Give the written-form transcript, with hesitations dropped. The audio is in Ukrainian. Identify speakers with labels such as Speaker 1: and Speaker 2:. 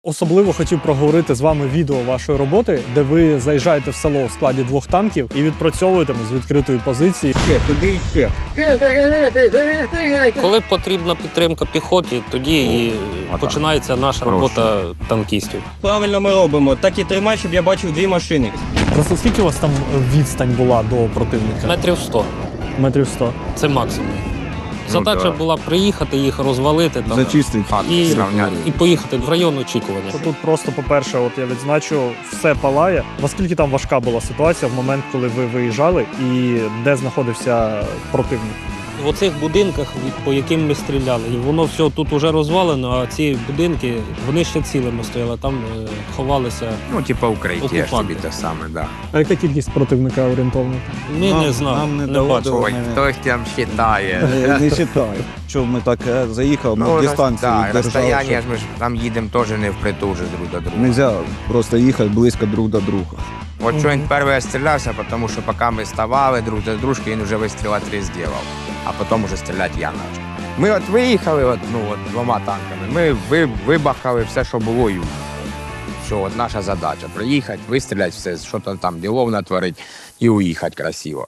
Speaker 1: Особливо хотів проговорити з вами відео вашої роботи, де ви заїжджаєте в село в складі 2 танків і відпрацьовуєте з відкритої позиції.
Speaker 2: Туди йти.
Speaker 3: Коли потрібна підтримка піхоті, тоді і починається наша робота танкістів.
Speaker 2: Правильно ми робимо. Так і тримай, щоб я бачив 2 машини.
Speaker 1: Просто скільки у вас там відстань була до противника?
Speaker 3: Метрів 100.
Speaker 1: Метрів 100.
Speaker 3: Це максимум. Задача була приїхати, їх розвалити там,
Speaker 4: Зачистити
Speaker 3: і поїхати в район очікування.
Speaker 1: Тут просто, по-перше, от я відзначу, все палає. Наскільки там важка була ситуація в момент, коли ви виїжджали і де знаходився противник?
Speaker 3: В оцих будинках, по яким ми стріляли, і воно все тут вже розвалено, а ці будинки, вони ще цілими стояли, там ховалися.
Speaker 4: Ну, типа укриття, ж
Speaker 3: Окупанти.
Speaker 4: тобі те саме, да.
Speaker 1: А яка кількість противника орієнтовно?
Speaker 3: Ми не знали,
Speaker 5: нам не
Speaker 3: не
Speaker 5: дало
Speaker 3: бачили.
Speaker 4: Ой, хтось там считає.
Speaker 5: Не вважаю, що ми так заїхали, ми
Speaker 4: Ну,
Speaker 5: дистанцію
Speaker 4: да,
Speaker 5: держали.
Speaker 4: розстояння ж ми ж там їдемо теж не впритул же друг до друга.
Speaker 5: Нельзя просто їхати близько друг до друга.
Speaker 4: От що він перший стрілявся, тому що поки ми ставали друг до дружки, він вже вистріла 3 зробив, а потім вже стріляти я почав. Ми от виїхали 2 танками, ми вибахали все, що було, і все, от наша задача – приїхати, вистріляти все, що там ділов натворити і уїхати красиво.